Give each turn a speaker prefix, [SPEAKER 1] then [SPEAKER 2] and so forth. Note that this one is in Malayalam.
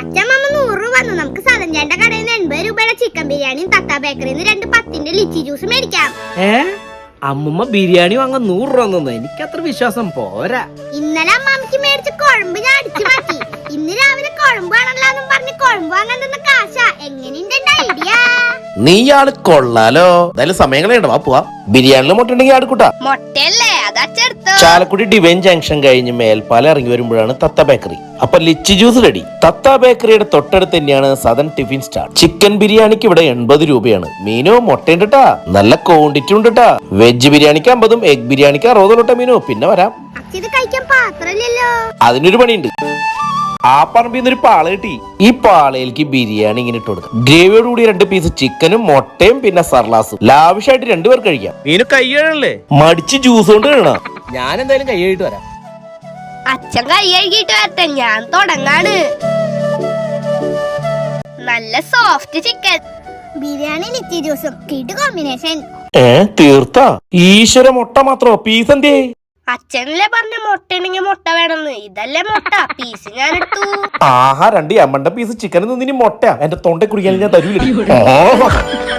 [SPEAKER 1] അച്ഛമ്മ 100 രൂപ വന്നു. നമുക്ക് സദഞ്ചേന്റെ കടയിൽ നിന്ന് 80 രൂപയുടെ ചിക്കൻ ബിരിയാണിയും തത്ത ബേക്കറിയിൽ നിന്ന് 2 10-ന്റെ ലിച്ചി ജ്യൂസ് മേടിക്കാം.
[SPEAKER 2] അമ്മുമ്മ ബിരിയാണി വാങ്ങാൻ 100 രൂപ തന്നു. എനിക്കത്ര വിശ്വാസം പോരാ.
[SPEAKER 1] ഇന്നലെ അമ്മാമ്മക്ക് മേടിച്ച കുഴമ്പ് ഞാൻ അടിച്ചു മാറ്റി. ഇന്ന് രാവിലെ കുഴമ്പ് ആണല്ലോ പറഞ്ഞ് കുഴമ്പ് വാങ്ങാൻ തന്ന കാശ. എങ്ങനെയുണ്ട് ഐഡിയ?
[SPEAKER 3] നീ ആള് കൊള്ളാലോ. എന്തായാലും സമയങ്ങളുണ്ട്, വാ പോവാ. ബിരിയാണിയിലും മുട്ട ഉണ്ടെങ്കിൽ ആടുക്കൂട്ടാ.
[SPEAKER 1] മുട്ടയല്ലേ അതച്ചെടുത്തോ.
[SPEAKER 3] ചാലക്കുടി ഡിവൈൻ ജംഗ്ഷൻ കഴിഞ്ഞ് മേൽപ്പാലം ഇറങ്ങി വരുമ്പോഴാണ് തത്ത ബേക്കറി. അപ്പൊ ലിച്ചി ജ്യൂസ് റെഡി. തത്ത ബേക്കറിയുടെ തൊട്ടടുത്ത് തന്നെയാണ് സദൻ ടിഫിൻ സ്റ്റാൾ. ചിക്കൻ ബിരിയാണിക്ക് ഇവിടെ 80 രൂപയാണ്. മീനോ മുട്ടയുണ്ട് ട്ടാ, നല്ല ക്വാണ്ടിറ്റി ഉണ്ട് ട്ടാ. വെജ് ബിരിയാണിക്ക് 50, എഗ് ബിരിയാണിക്ക് 60 മീനോ. പിന്നെ വരാം.
[SPEAKER 1] ഇത് കഴിക്കാൻ പാത്രമില്ലല്ലോ.
[SPEAKER 3] അതിനൊരു പണിയുണ്ട്. ആ പറമ്പിൽ ഒരു പാള കിട്ടി. ഈ പാളയിലേക്ക് ബിരിയാണി ഇങ്ങനെ ഇട്ട് കൊടുക്കാം. ഗ്രേവിയോട് കൂടി 2 പീസ് ചിക്കനും മുട്ടയും പിന്നെ സർലാസും. ലാവിഷായിട്ട് 2 പേർ കഴിക്കാം.
[SPEAKER 2] മീനു കൈ കഴുകണല്ലേ?
[SPEAKER 3] മടിച്ച് ജ്യൂസ് കൊണ്ട് കഴിയണം.
[SPEAKER 2] ഞാൻ എന്തായാലും കൈ കഴുകിട്ട് വരാം.
[SPEAKER 1] അച്ഛൻ കൈ കഴുകിയിട്ട് വരട്ടെ, ഞാൻ തുടങ്ങാണ്. നല്ല സോഫ്റ്റ് ചിക്കൻ ബിരിയാണി ലിച്ചി ജ്യൂസും കിട് കോമ്പിനേഷൻ.
[SPEAKER 3] തീർത്താ? ഈശ്വര, മുട്ട മാത്രോ? പീസ് എന്തേ?
[SPEAKER 1] അച്ഛനല്ലേ പറഞ്ഞ മുട്ട ഉണ്ടെങ്കിൽ മുട്ട വേണമെന്ന്. ഇതല്ലേ മുട്ട, പീസ് ഞാൻ എടുത്തു.
[SPEAKER 3] ആഹാ, 2 എമ്മണ്ട പീസ് ചിക്കൻ നിന്ന് മുട്ട എന്റെ തൊണ്ട കുടിക്കാൻ ഞാൻ തരൂല.